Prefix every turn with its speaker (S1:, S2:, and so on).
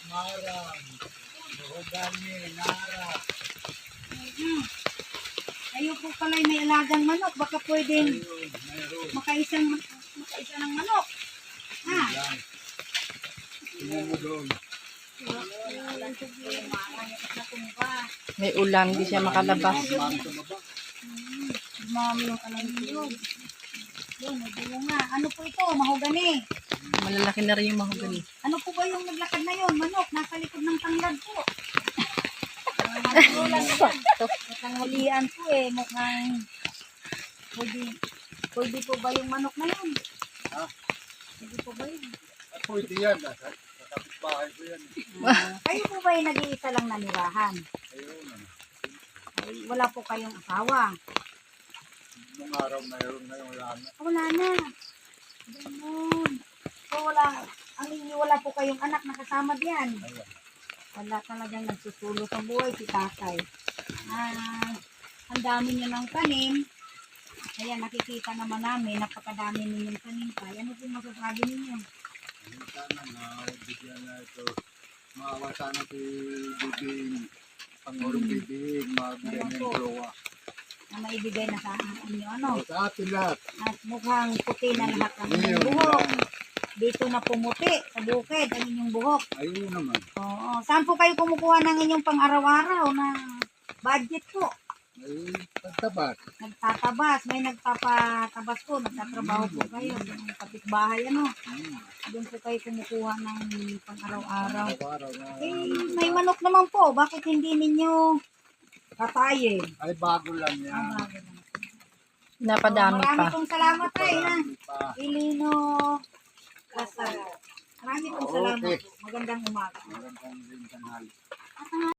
S1: marang, mahogani, nara.
S2: Ayaw po pala'y may alagang manok. Baka pwedeng
S1: Ayun, mayroon.
S2: makaisa ng manok. Ha?
S1: Yan. Tingnan mo doon.
S3: May ulan, di siya makalabas.
S1: Mami sa baba.
S2: Mami yung kalangyog. Yun, may bunga. Ano po ito? Mahogani.
S3: Malalaki na rin yung mahogani.
S2: Ano po ba yung naglakad na yun? Manok, nasa likod ng tanglad po. Tanghalian po eh. Mukhang pwede po ba yung manok na yun?
S1: Ha?
S2: Pwede po ba yun?
S1: Pwede yan. Sa kapitbahay ko yan.
S2: Kayo po ba yung nag-iisa lang nanirahan?
S1: Ayun.
S2: Ay, wala po kayong asawa?
S1: Nung araw mayroon na yung lana.
S2: Wala na. Ganun. So wala po kayong anak na kasama diyan.
S1: Ayun.
S2: Wala talagang nagsusulo sa buhay si tatay. Ang dami niyo ng tanim. Kaya nakikita naman namin, napakadami ninyong tanim pa. Ano po masasabi ninyo?
S1: Sana na bigyan na ito. Maawa sana si Bibing. Pangurong Bibing. Mabigyan ng jowa.
S2: Na maibigay na sa inyo ano?
S1: Sa atin lahat.
S2: At mukhang puti na lahat ang inyong
S1: Ngayon
S2: buhok.
S1: lang.
S2: Dito na pumuti sa bukid ang inyong buhok.
S1: Ayun naman.
S2: Oo. Saan po kayo kumukuha ng inyong pang-araw-araw na budget po?
S1: Ayun. Pagtabat.
S2: Nagtatabas, may nagpapatabas po, nagtatrabaho po kayo sa kapitbahay ano. Doon po kayo kumukuha ng pang-araw-araw.
S1: Araw na.
S2: May manok naman po, bakit hindi ninyo katayin?
S1: Ay bago lang yan.
S2: Bago lang.
S3: Napadami
S2: Marami
S3: pa.
S2: pong salamat ay na.
S1: Marami pa.
S2: Ilino Kasal. Marami pong salamat.
S1: Okay.
S2: Magandang umaga.
S1: Magandang din tanghali.